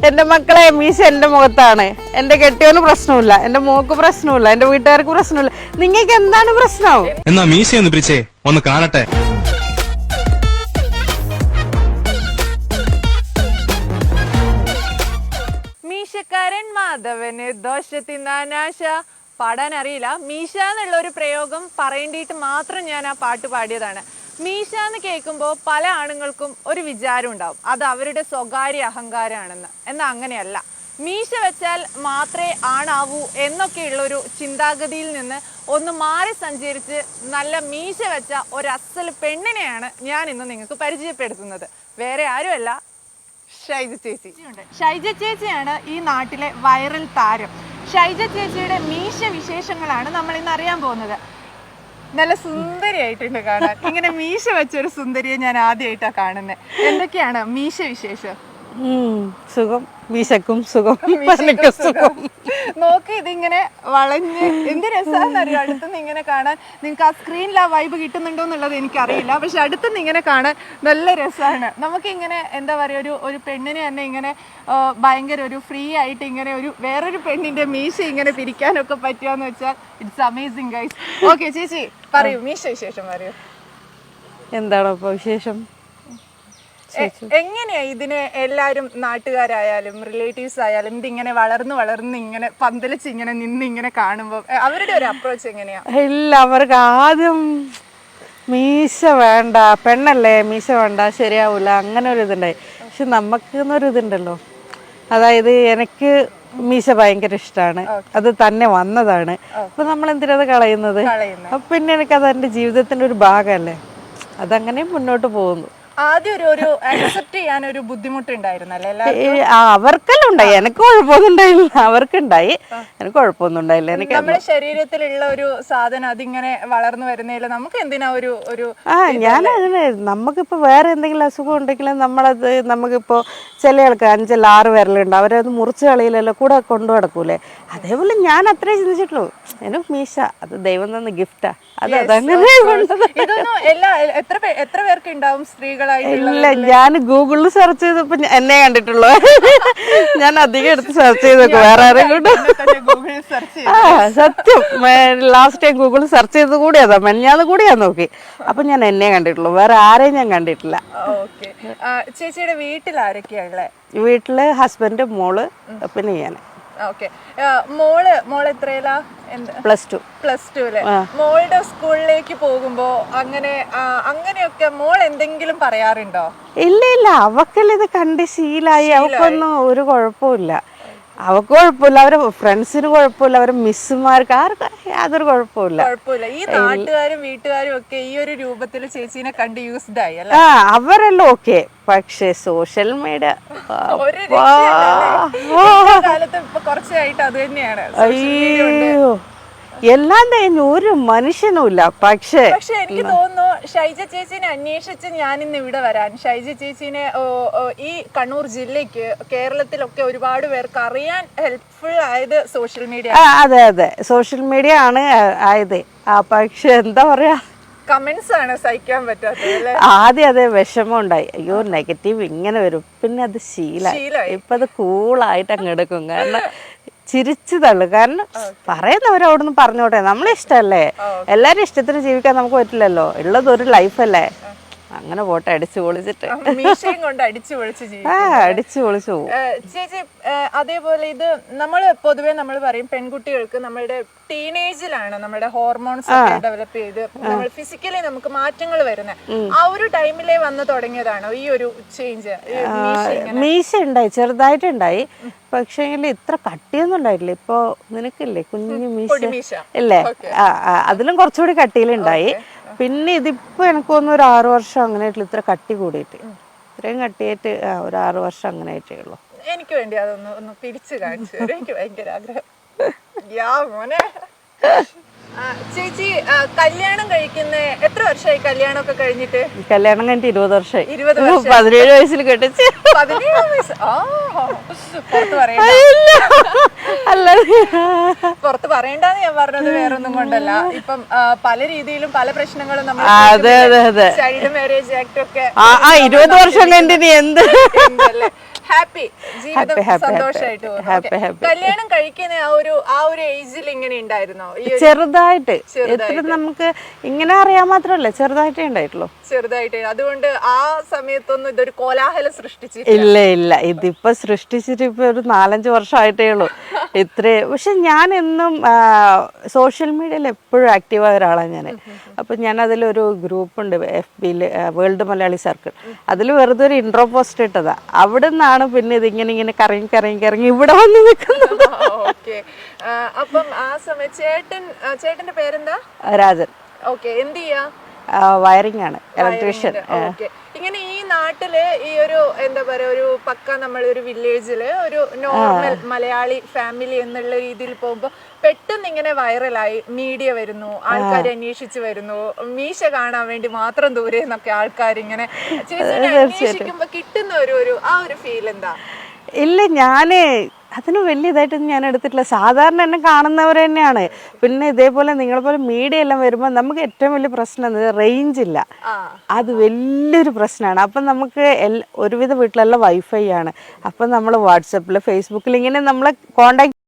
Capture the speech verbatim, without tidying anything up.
എന്റെ മക്കളെ മീശ എന്റെ മുഖത്താണ്. എന്റെ കെട്ടിയോന് പ്രശ്നമില്ല, എന്റെ മോക്ക് പ്രശ്നമില്ല, എന്റെ വീട്ടുകാർക്ക് പ്രശ്നമില്ല. നിങ്ങൾക്ക് എന്താണ് പ്രശ്നം? എന്നാ മീശ ഒന്ന് പിടിച്ചേ, ഒന്ന് കാണട്ടെ. മീശക്കാരൻ മാധവന് ദോശ തിന്നാനാശ. പാടാൻ അറിയില്ല. മീശ എന്നുള്ള ഒരു പ്രയോഗം പറയേണ്ടിയിട്ട് മാത്രം ഞാൻ ആ പാട്ട് പാടിയതാണ്. മീശ എന്ന് കേൾക്കുമ്പോൾ പല ആണുങ്ങൾക്കും ഒരു വിചാരം ഉണ്ടാവും, അത് അവരുടെ സ്വകാര്യ അഹങ്കാരമാണെന്ന്. എന്നാൽ അങ്ങനെയല്ല. മീശ വെച്ചാൽ മാത്രമേ ആണാവൂ എന്നൊക്കെയുള്ളൊരു ചിന്താഗതിയിൽ നിന്ന് ഒന്ന് മാറി സഞ്ചരിച്ച് നല്ല മീശ വെച്ച ഒരു അസൽ പെണ്ണിനെയാണ് ഞാൻ ഇന്ന് നിങ്ങൾക്ക് പരിചയപ്പെടുത്തുന്നത്. വേറെ ആരുമല്ല, ഷൈജ ചേച്ചി. ഷൈജ ചേച്ചിയാണ് ഈ നാട്ടിലെ വൈറൽ താരം. ഷൈജ ചേച്ചിയുടെ മീശ വിശേഷങ്ങളാണ് നമ്മൾ ഇന്ന് അറിയാൻ പോകുന്നത്. നല്ല സുന്ദരിയായിട്ടുണ്ട് കാണാൻ. ഇങ്ങനെ മീശ വെച്ചൊരു സുന്ദരിയെ ഞാൻ ആദ്യമായിട്ടാണ് കാണുന്നത്. എന്തൊക്കെയാണ് മീശ വിശേഷം? സുഖം, മീശക്കും സുഖം, സുഖം. നോക്കി ഇതിങ്ങനെ വളഞ്ഞ് എന്ത് രസമാണെന്നറിയോ അടുത്തുനിന്ന് ഇങ്ങനെ കാണാൻ. നിങ്ങൾക്ക് ആ സ്ക്രീനിൽ ആ വൈബ് കിട്ടുന്നുണ്ടോ എന്നുള്ളത് എനിക്കറിയില്ല, പക്ഷെ അടുത്തുനിന്ന് ഇങ്ങനെ കാണാൻ നല്ല രസമാണ്. നമുക്കിങ്ങനെ എന്താ പറയുക, ഒരു ഒരു പെണ്ണിനെ തന്നെ ഇങ്ങനെ ഭയങ്കര ഒരു ഫ്രീ ആയിട്ട് ഇങ്ങനെ ഒരു വേറൊരു പെണ്ണിന്റെ മീശ ഇങ്ങനെ പിരിക്കാനൊക്കെ പറ്റുകയെന്ന് വെച്ചാൽ ഇറ്റ്സ് അമേസിങ് ഗൈസ്. ഓക്കെ ചേച്ചി പറയൂ, മീശ വിശേഷം പറയൂ. എന്താണോ ഇപ്പൊ വിശേഷം? എങ്ങനെയാ ഇതിന് എല്ലാരും നാട്ടുകാരായാലും റിലേറ്റീവ്സ് ആയാലും ഇതിങ്ങനെ വളർന്ന് വളർന്ന് ഇങ്ങനെ പന്തലിച്ച് ഇങ്ങനെ നിന്ന് ഇങ്ങനെ കാണുമ്പോ അവരുടെ ഒരു അപ്രോച്ച് എങ്ങനെയാ? ഇല്ല, അവർക്ക് ആദ്യം മീശ വേണ്ട, പെണ്ണല്ലേ മീശ വേണ്ട, ശരിയാവൂല, അങ്ങനെ ഒരു ഇതുണ്ടായി. പക്ഷെ നമുക്കെന്നൊരു ഇതുണ്ടല്ലോ, അതായത് എനിക്ക് മീശ ഭയങ്കര ഇഷ്ടമാണ്, അത് തന്നെ വന്നതാണ്. അപ്പൊ നമ്മൾ എന്തിനത് കളയുന്നത്? അപ്പൊ പിന്നെ എനിക്കത് എൻ്റെ ജീവിതത്തിന്റെ ഒരു ഭാഗമല്ലേ, അതങ്ങനെ മുന്നോട്ട് പോകുന്നു. ആദ്യം ഒരു ഒരു അക്സെപ്റ്റ് ചെയ്യാൻ ഒരു ബുദ്ധിമുട്ടുണ്ടായിരുന്നല്ലേ? അവർക്കെല്ലാം ഉണ്ടായി, എനിക്ക് കുഴപ്പമൊന്നും ഉണ്ടായില്ല. അവർക്കുണ്ടായി, എനിക്ക് കുഴപ്പമൊന്നും ഉണ്ടായില്ല. എനിക്ക് നമ്മുടെ ശരീരത്തിലുള്ള ഒരു സാധനം അതിങ്ങനെ വളർന്നു വരുന്നില്ല, നമുക്ക് എന്തിനാ ഒരു ഒരു ആ ഞാൻ അങ്ങനെ നമുക്കിപ്പോ വേറെ എന്തെങ്കിലും അസുഖം ഉണ്ടെങ്കിലും നമ്മളത് നമുക്കിപ്പോ ചില ആൾക്ക് അഞ്ചല്ല ആറ് വിരലുണ്ട്, അവരത് മുറിച്ച് കളിയിലല്ലോ കൂടെ കൊണ്ടു നടക്കൂലേ. അതേപോലെ ഞാൻ അത്രേ ചിന്തിച്ചിട്ടുള്ളൂ, എനിക്ക് മീശ അത് ദൈവം തന്ന ഗിഫ്റ്റാ, അത് അതങ്ങനെ. ഇതൊന്നും എല്ലാ എത്ര എത്ര പേർക്ക് ഉണ്ടാവും സ്ത്രീകളായിട്ടുള്ള? ഇല്ല, ഞാൻ ഗൂഗിളിൽ സെർച്ച് ചെയ്തപ്പോ എന്നെ കണ്ടിട്ടുള്ളൂ. ഞാൻ അധികം എടുത്ത് സെർച്ച് ചെയ്തേക്കും, വേറെ ആരും കൊണ്ട്. ആ സത്യം, ലാസ്റ്റ് ടൈം ഗൂഗിളിൽ സെർച്ച് ചെയ്തത് കൂടിയതാ, മെഞ്ഞാന്ന് കൂടിയാ നോക്കി. അപ്പൊ ഞാൻ എന്നെ കണ്ടിട്ടുള്ളൂ, വേറെ ആരെയും ഞാൻ കണ്ടിട്ടില്ല. ചേച്ചിയുടെ വീട്ടിൽ ആരൊക്കെയാ ഉള്ളത്? വീട്ടില് ഹസ്ബൻഡ്, മോള്, പിന്നെ ഞാൻ. ഓക്കെ. മോള് മോള് എത്രയിലാ? Plus two. പ്ലസ് ടു അല്ലേ? മോളുടെ സ്കൂളിലേക്ക് പോകുമ്പോ അങ്ങനെ അങ്ങനെയൊക്കെ മോൾ എന്തെങ്കിലും പറയാറുണ്ടോ? ഇല്ല ഇല്ല, അവക്കെല്ലാം ഇത് കണ്ട് ശീലായി, അവക്കൊന്നും ഒരു കുഴപ്പമില്ല. അവക്ക് കുഴപ്പമില്ല, അവരെ ഫ്രണ്ട്സിന് കുഴപ്പമില്ല, അവരെ മിസ്സുമാർക്ക് ആർക്കും യാതൊരു കുഴപ്പമില്ല. കുഴപ്പമില്ല. ഈ നാട്ടുകാരും വീട്ടുകാരും ഒക്കെ ഈ ഒരു രൂപത്തിൽ ചേച്ചീനെ കണ്ട് യൂസ്ഡ് ആയി അല്ലേ? ആ അവരെല്ലാം ഓക്കെ. പക്ഷെ സോഷ്യൽ മീഡിയ കാലത്ത് ഇപ്പൊ കുറച്ചായിട്ട് അത് തന്നെയാണ്. അയ്യോ, എല്ലാം കഴിഞ്ഞു, ഒരു മനുഷ്യനുമില്ല. പക്ഷേ പക്ഷെ എനിക്ക് തോന്നുന്നു ഷൈജ ചേച്ചിനെ അന്വേഷിച്ച് ഞാൻ ഇന്ന് ഇവിടെ വരാൻ, ഷൈജ ചേച്ചിനെ ഈ കണ്ണൂർ ജില്ലയ്ക്ക് കേരളത്തിലൊക്കെ ഒരുപാട് പേർക്ക് അറിയാൻ ഹെൽപ്ഫുൾ ആയത് സോഷ്യൽ മീഡിയ. അതെ അതെ, സോഷ്യൽ മീഡിയ ആണ് ആയത്. ആ പക്ഷെ എന്താ പറയാ, കമന്റ്സ് ആണ് സഹിക്കാൻ പറ്റാത്തത്. ആദ്യം അതേ വിഷമം ഉണ്ടായി, അയ്യോ നെഗറ്റീവ് ഇങ്ങനെ വരും, പിന്നെ അത് ശീലമായി. ഇപ്പൊ അത് കൂളായിട്ട് അങ്ങ് എടുക്കും, കാരണം ചിരിച്ചു തള്ളു. കാരണം പറയുന്നവരവിടുന്ന് പറഞ്ഞോട്ടെ, നമ്മളെ ഇഷ്ടമല്ലേ, എല്ലാരും ഇഷ്ടത്തിന് ജീവിക്കാൻ നമുക്ക് പറ്റില്ലല്ലോ, ഉള്ളത് ഒരു ലൈഫല്ലേ, അങ്ങനെ പോട്ടെ, അടിച്ചു പൊളിച്ചിട്ട് കൊണ്ട് അടിച്ചു പൊളിച്ച് ആ അടിച്ചു പൊളിച്ചു പോകും. ചേച്ചി അതേപോലെ ഇത് നമ്മൾ പൊതുവെ നമ്മൾ പറയും പെൺകുട്ടികൾക്ക് നമ്മളുടെ ടീനേജിലാണ് നമ്മുടെ ഹോർമോൺസ് ഒക്കെ ഡെവലപ്പ് ചെയ്ത് നമ്മൾ ഫിസിക്കലി നമുക്ക് മാറ്റങ്ങൾ വരുന്നത്. ആ ഒരു ടൈമിലേ വന്ന് തുടങ്ങിയതാണോ ഈ ഒരു ചേഞ്ച്? മീശ ഉണ്ടായി, ചെറുതായിട്ടുണ്ടായി, പക്ഷേ ഇത്ര കട്ടിയൊന്നും ഉണ്ടായിട്ടില്ല. ഇപ്പൊ നിനക്കില്ലേ കുഞ്ഞു മീശ ഇല്ലേ, അതിലും കുറച്ചുകൂടി കട്ടിയിലുണ്ടായി. പിന്നെ ഇതിപ്പോ എനിക്ക് തോന്നുന്നു ഒരു ആറു വർഷം അങ്ങനെ ആയിട്ടില്ല, ഇത്ര കട്ടി കൂടിയിട്ട്, ഇത്രയും കട്ടിയായിട്ട് ഒരു ആറു വർഷം അങ്ങനെ ആയിട്ടേ ഉള്ളൂ. എനിക്ക് വേണ്ടി അതൊന്ന് ഒന്ന് പിരിച്ചു കാണിച്ചു തരും, എനിക്ക് ഭയങ്കര ആഗ്രഹം. യാ മോനെ. ചേച്ചി കല്യാണം കഴിക്കുന്ന എത്ര വർഷമായി? കല്യാണം ഒക്കെ കഴിഞ്ഞിട്ട്? കല്യാണം കഴിഞ്ഞിട്ട് ഇരുപത് വർഷമായി. ഇരുപത് പതിനേഴ് വയസ്സിൽ കെട്ടിച്ച്. പതിനേഴ് വയസ്സ് പുറത്ത് പറയണ്ട, പുറത്ത് പറയണ്ടെന്ന് ഞാൻ പറഞ്ഞത് വേറൊന്നും കൊണ്ടല്ല. ഇപ്പം പല രീതിയിലും പല പ്രശ്നങ്ങളും നമ്മൾ ചൈൽഡ് മാരേജ് ആക്ട് ഒക്കെ ഇരുപത് വർഷം കഴിഞ്ഞിട്ട് എന്ത് ഹാപ്പി ജീവിതം Happy, happy, സന്തോഷമായിട്ട് happy, പോകുന്നു. happy, Okay. happy. കല്യാണം കഴിക്കുന്ന ആ ഒരു ആ ഒരു ഏജിൽ ഇങ്ങനെ ഉണ്ടായിരുന്നോ ഈ ഒരു ചെറുതായിട്ട് എത്ര നമുക്ക് ഇങ്ങനെ അറിയാൻ മാത്രമല്ല ചെറുതായിട്ടേ ഉണ്ടായിട്ടുള്ളൂ. ചെറുതായിട്ട് അതുകൊണ്ട് ആ സമയത്തൊന്നും ഇതൊരു കോലാഹലം സൃഷ്ടിച്ചു ഇല്ല ഇല്ല ഇതിപ്പോ സൃഷ്ടിച്ചിട്ട് ഇപ്പൊ ഒരു നാലഞ്ച് വർഷമായിട്ടേ ഉള്ളൂ ഇത്രേ. പക്ഷെ ഞാൻ എന്നും സോഷ്യൽ മീഡിയയിൽ എപ്പോഴും ആക്റ്റീവായ ഒരാളാണ് ഞാൻ. അപ്പൊ ഞാൻ അതിലൊരു ഗ്രൂപ്പ് ഉണ്ട് എഫ് ബിയിൽ, വേൾഡ് മലയാളി സർക്കിൾ. അതിൽ വെറുതെ ഒരു ഇൻട്രോ പോസ്റ്റ് ഇട്ടതാ. അവിടെ നിന്നാണ് പിന്നെ ഇതിങ്ങനെ ഇങ്ങനെ കറങ്ങി കറങ്ങി കറങ്ങി ഇവിടെ വന്ന് നിൽക്കുന്നത്. ഓക്കെ. അപ്പം ആ സമയം ചേട്ടൻ ചേട്ടന്റെ പേരെന്താ? രാജൻ. ഓക്കെ. എന്ത് ചെയ്യാ? വയറിംഗ് ആണ്, ഇലക്ട്രീഷ്യൻ. ഓക്കെ. ഇങ്ങനെ ഈ നാട്ടില് ഈ ഒരു എന്താ പറയാ ഒരു പക്ക നമ്മൾ ഒരു വില്ലേജില് ഒരു നോർമൽ മലയാളി ഫാമിലി എന്നുള്ള രീതിയിൽ പോകുമ്പോ പെട്ടെന്ന് ഇങ്ങനെ വൈറലായി മീഡിയ വരുന്നു, ആൾക്കാർ അന്വേഷിച്ചു വരുന്നു, മീശ കാണാൻ വേണ്ടി മാത്രം ദൂരെ നിന്നൊക്കെ ആൾക്കാർ ഇങ്ങനെ ചേച്ചിനെ അന്വേഷിക്കുമ്പോ കിട്ടുന്ന ഒരു ഒരു ആ ഒരു ഫീൽ എന്താ? ഇല്ല, ഞാന് അതിന് വലിയ ഇതായിട്ടൊന്നും ഞാൻ എടുത്തിട്ടില്ല. സാധാരണ എന്നെ കാണുന്നവർ തന്നെയാണ്. പിന്നെ ഇതേപോലെ നിങ്ങളെ പോലെ മീഡിയ എല്ലാം വരുമ്പോൾ നമുക്ക് ഏറ്റവും വലിയ പ്രശ്നം റേഞ്ച് ഇല്ല. അത് വലിയൊരു പ്രശ്നമാണ്. അപ്പം നമുക്ക് എല്ലാ ഒരുവിധ വീട്ടിലെല്ലാം വൈഫൈ ആണ്. അപ്പം നമ്മൾ വാട്സപ്പിൽ ഫേസ്ബുക്കിൽ ഇങ്ങനെ നമ്മളെ കോണ്ടാക്ട്